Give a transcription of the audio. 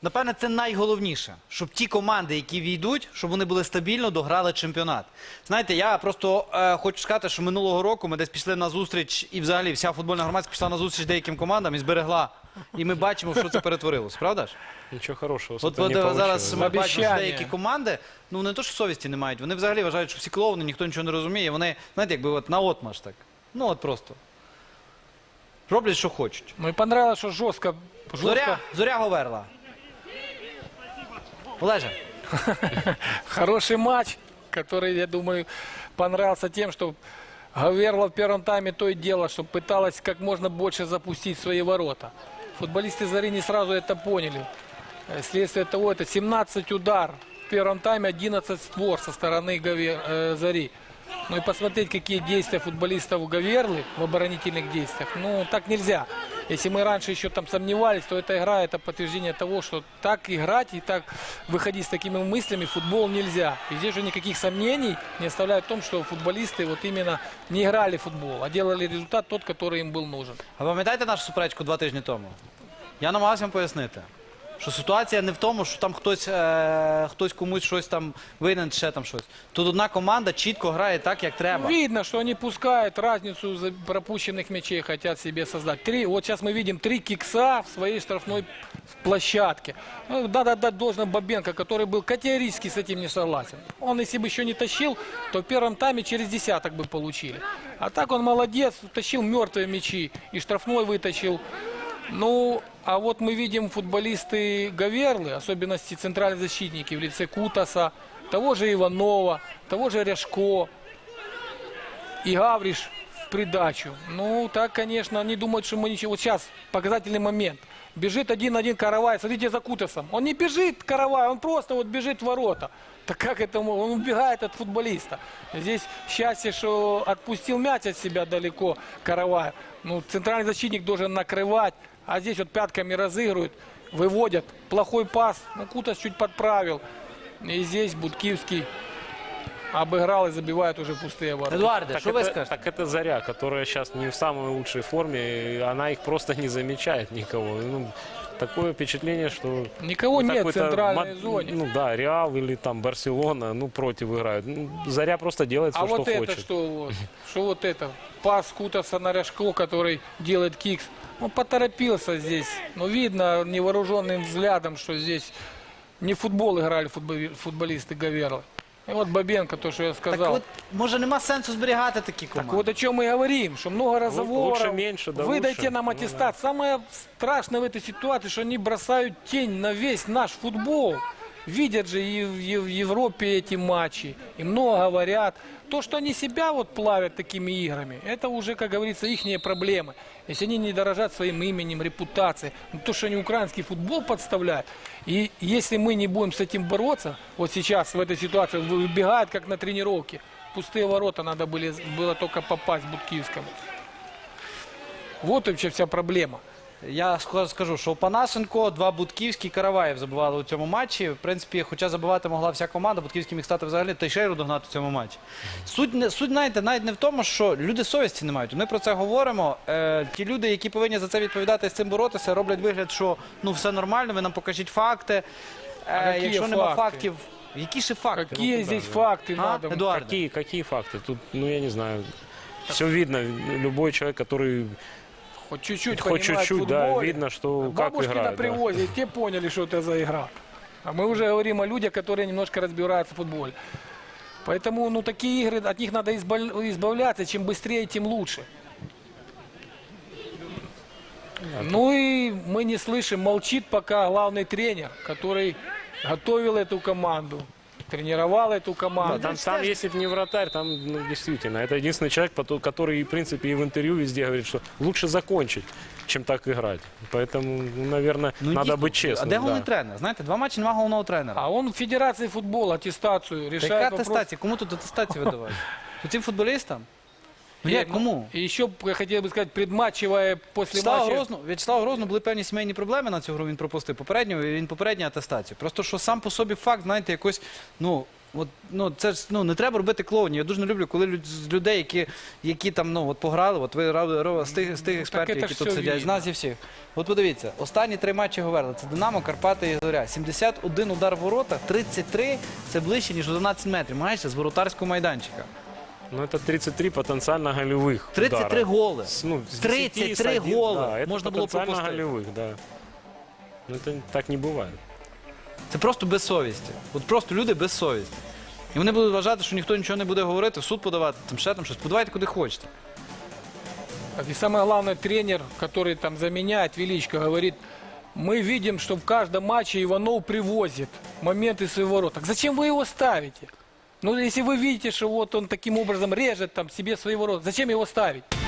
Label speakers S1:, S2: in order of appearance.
S1: напевне, це найголовніше, щоб ті команди, які війдуть, щоб вони були стабільно дограли чемпіонат. Знаєте, я просто хочу сказати, що минулого року ми десь пішли на зустріч, і взагалі вся футбольна громадська пішла на зустріч деяким командам і зберегла. І ми бачимо, в що це перетворилось, правда ж?
S2: Ничего хорошего.
S1: От
S2: не
S1: зараз
S2: получилось.
S1: ми бачимо, що
S3: Обіцяння.
S1: деякі команди, ну не то, що совісті не мають, вони взагалі вважають, що всі клоуни, ніхто нічого не розуміє. Вони, знаєте, якби от наотмашь так. Ну от просто. Роблять, що хочуть.
S3: Ну и понравилось, что жестко.
S1: Зоря Говерла. Олеже.
S3: Хороший матч, который, я думаю, понравился тем, что Гаверла в первом тайме то и дело, что пыталась как можно больше запустить свои ворота. Футболисты Зари не сразу это поняли. Следствие того, это 17 удар. В первом тайме 11 створ со стороны Зари. Ну и посмотреть, какие действия футболистов Гаверлы в оборонительных действиях. Ну, так нельзя. Если мы раньше еще там сомневались, то эта игра – это подтверждение того, что так играть и так выходить с такими мыслями в футбол нельзя. И здесь же никаких сомнений не оставляют в том, что футболисты вот именно не играли в футбол, а делали результат тот, который им был нужен.
S1: А пам'ятаєте нашу суперечку 2 тижні тому? Я намагався вам пояснити, що ситуація не в тому, що там хтось комусь щось там винен, ще там щось. Тут одна команда чітко грає так, як треба.
S3: Видно, что они пускают разницу пропущенных мячей, хотят себе создать. Вот сейчас мы видим 3 кикса в своей штрафной площадке. Ну, надо отдать должное Бабенко, который был категорически с этим не согласен. Он, если бы еще не тащил, то в первом тайме через десяток бы получили. А так он молодец, тащил мертвые мячи и штрафной вытащил. Ну, а вот мы видим футболисты Гаверлы, особенности центральные защитники в лице Кутаса, того же Иванова, того же Ряшко и Гавриш в придачу. Ну, так, конечно, они думают, что мы ничего. Вот сейчас показательный момент. Бежит 1-1 Каравай, смотрите за Кутасом. Он не бежит Каравай, он просто вот бежит в ворота. Так как это он убегает от футболиста. Здесь счастье, что отпустил мяч от себя далеко Каравай. Ну, центральный защитник должен накрывать. А здесь вот пятками разыгрывают, выводят. Плохой пас. Ну, Кутас чуть подправил. И здесь Будкивский обыграл и забивает уже пустые ворота.
S1: Едуарде, що ви
S2: это,
S1: скажете?
S2: так это Заря, которая сейчас не в самой лучшей форме, и она их просто не замечает никого. Ну, такое впечатление, что...
S3: Никого нет в
S2: какой-то
S3: центральной зоне.
S2: Ну да, Реал или там Барселона, ну, против играют. Ну, Заря просто делает все,
S3: А
S2: что
S3: вот это
S2: хочет.
S3: что вот? Что вот это? Пас Кутаса на Ряшко, который делает кикс. Он поторопился здесь. Но видно невооруженным взглядом, что здесь не в футбол играли футболисты Гаверлы. И вот Бабенко, то, что я
S1: Так
S3: сказал.
S1: от, може нема сенсу зберігати такі
S3: Так
S1: команди?
S3: вот о чем мы и говорим, что много разговоров.
S2: лучше меньше, да
S3: Выдайте
S2: лучше.
S3: нам
S2: Ну
S3: аттестат. Самое страшное в этой ситуации, что они бросают тень на весь наш футбол. Видят же и в Европе эти матчи, и много говорят. То, что они себя вот плавят такими играми, это уже, как говорится, ихние проблемы. Если они не дорожат своим именем, репутацией, ну, то, что они украинский футбол подставляют. И если мы не будем с этим бороться, вот сейчас в этой ситуации выбегает, как на тренировке. Пустые ворота надо было только попасть Будкивскому. Вот вообще вся проблема.
S1: Я скажу, що Панасенко, 2 Будківські, Караваєв забивали у цьому матчі. В принципі, хоча забивати могла вся команда, Будківський міг стати взагалі Тейшейру догнати в цьому матчі. Суть, знаєте, навіть не в тому, що люди совісті не мають. Ми про це говоримо. Ті люди, які повинні за це відповідати і з цим боротися, роблять вигляд, що ну все нормально, ви нам покажіть факти.
S3: які
S1: Якщо нема
S3: факти?
S1: фактів, які ще факти?
S3: Какие здесь факты надо?
S1: Едуарде?
S2: Какие факты? Тут, ну, я не знаю. Все видно. Любой человек, который...
S3: Хоть чуть-чуть
S2: Хоть
S3: понимает
S2: чуть-чуть,
S3: в
S2: да,
S3: футболе.
S2: видно, что как
S3: Бабушки на
S2: играют. Да.
S3: привозе, те поняли, что это за игра. А мы уже говорим о людях, которые немножко разбираются в футболе. Поэтому, ну, такие игры, от них надо избавляться. Чем быстрее, тем лучше. Ну и мы не слышим, молчит пока главный тренер, который готовил эту команду, тренировал эту команду.
S2: Да, там если бы не вратарь, там, ну, действительно, это единственный человек, который, в принципе, и в интервью везде говорит, что лучше закончить, чем так играть. Поэтому, ну, наверное, надо
S1: дійсно,
S2: быть честным.
S1: А де головний
S2: да.
S1: тренер? Знаєте, 2 матчі, нема головного тренера.
S3: А он в Федерации футбола аттестацию решает
S1: Яка
S3: вопрос.
S1: атестація? Кому тут атестацію видавати? Цим футболістам? Ну як, кому?
S3: И еще, я хотел бы сказать, предматчевая после матча.
S1: В'ячеславу Грозному були певні сімейні проблеми на цю гру, він пропустив попередню атестацію. Просто що сам по собі факт, знаєте, якось, ну, От, ну, це ж не треба робити клоунів. Я дуже не люблю, коли з людей, які там от пограли, от ви з тих експертів,
S3: це
S1: які
S3: ж
S1: тут
S3: все
S1: сидять, з
S3: видно.
S1: нас і всіх. От подивіться, останні 3 матчі Говерла. Це Динамо, Карпати і Зоря. 71 удар в ворота, 33 – це ближче, ніж 11 метрів. Майже з воротарського майданчика.
S2: Ну, это 33 потенциально голевых
S1: 33
S2: удара.
S1: голи.
S2: Ну, с 10
S1: 33
S2: с 1,
S1: голи
S2: да, это
S1: можно было
S2: потенциально
S1: пропустить.
S2: голевых, да. Ну, это так не бывает.
S1: Це просто безсовісті. От просто люди безсовісті. І вони будуть вважати, що ніхто нічого не буде говорити, в суд подавати, там ще там щось. Подавайте куди хочете.
S3: И самое главное, тренер, который там заменяет Величко, говорит, мы видим, что в каждом матче Иванов привозит моменты своего рода. Так зачем вы его ставите? Ну, если вы видите, что вот он таким образом режет там себе своего рода, зачем его ставить?